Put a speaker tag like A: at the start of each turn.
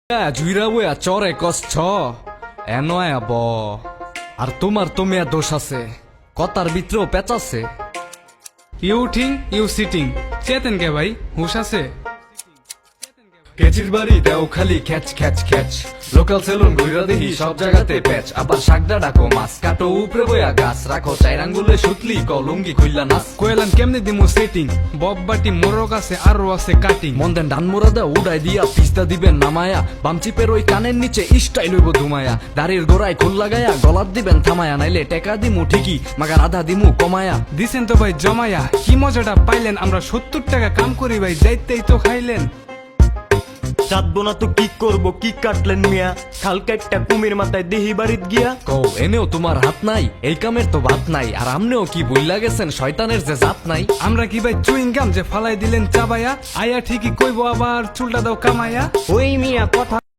A: জুইরা বইয়া চরে কষ্ট এনয়া ব আর তোমার তো মেয়া দোষ আছে কথার ভিতরেও পেঁচ আছে।
B: ইউ উঠিং ইউ সিটিং চেতেন কে ভাই হুশ আছে?
A: কেচির বাড়ি দেও খালি খ্যাচ খ্যাচ খ্যাচ লোকাল সেলুন ঘুরা দেখি সব জায়গাতে প্যাচ আবার শাকডা ডাকো মাছ কাটো উপরে বইয়া গাছ রাখো চাইরাঙ্গুলে সুতলি কলঙ্গি খুললা নাচ
B: কইলাম কেমনে দিমু সেটিং বব বাটি মোরক আছে আরো আছে কাটিং
A: মন্দেন ডান মোরা দেও উড়াই দিয়া পিস্তা দিবেন নামায়া বামচিপের ওই কানের নিচে স্টাইল হইব ধুমায়া দাড়ির গোড়ায় খোল লাগায়া গলার দিবেন থামায়া নাইলে টেকা দিমু ঠিকই মাগার আধা দিমু কমায়া।
B: দিছেন তো ভাই জমায়া কি মজাটা পাইলেন আমরা 70 টাকা কাম করি ভাই যাইতেই তো খাইলেন।
C: চাঁদবো না তো কি করবো কি কাটলেন মিয়া খাল কাটটা কুমির মাথায় দেহি বাড়িত গিয়া
A: কও এনেও তোমার হাত নাই এই কামের তো ভাত নাই আর আমনেও কি বুইলা গেছেন শয়তানের যে জাত নাই।
B: আমরা কি ভাই চুইং গাম যে ফালাই দিলেন চাবায়া আয়া ঠিকই কইবো আবার চুলটা দাও কামায়া।
C: ওই মিয়া কথা